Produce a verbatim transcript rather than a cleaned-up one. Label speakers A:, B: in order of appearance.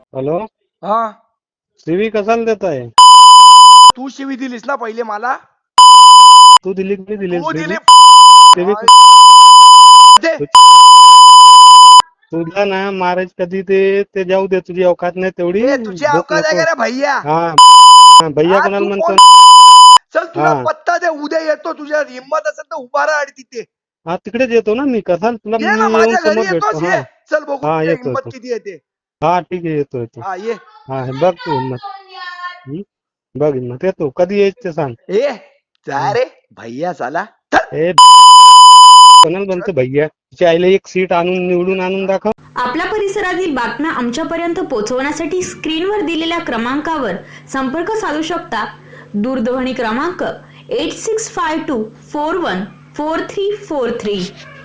A: Hello,
B: हा
A: CV कशाला देत आहे?
B: तू शिवी दिलीस ना पहिले मला.
A: तू दिली की नाही दिली
B: तू दिली.
A: सीवी?
B: दे.
A: तुला ना मारायचं कधी ते ते जाऊ दे, तुझी अवकात नाही तेवढी.
B: ए, तुझी
A: बोट
B: अवकात आहे
A: नको.
B: का रे भैया?
A: हा भैया
B: हा,
A: कोणाला
B: तू
A: म्हणतो?
B: कोण? चल तुला
A: हा
B: पत्ता दे, उद्या येतो. तुझ्या हिंमत असेल तर उभा राहा आणि तिथे
A: हा तिकडेच येतो ना मी. कसा तुला
B: ये
A: मी
B: ना,
A: येऊन
B: माझ्या घरी
A: समोर
B: येतोस.
A: भेटतो. हा
B: ये चल बघू
A: हा
B: तुझ्या
A: येतो
B: हिंमत
A: येतो.
B: किती येते.
A: हा ठीक आहे, येतो येतो.
B: हा ये.
A: हा हे बघ तू हिंमत. हं? बघ हिंमत. येतो कधी यायचं ते सांग.
B: ए जा
A: हं.
B: रे भैया साला.
A: ए कोणाला म्हणतो भैया? तिच्या आईला एक सीट आणून निवडून आणून दाखव.
C: आपल्या परिसरातील बातम्या आमच्यापर्यंत पोहोचवण्यासाठी स्क्रीनवर दिलेल्या क्रमांकावर संपर्क साधू शकता. दूरध्वनी क्रमांक eight six five two four one four three four three.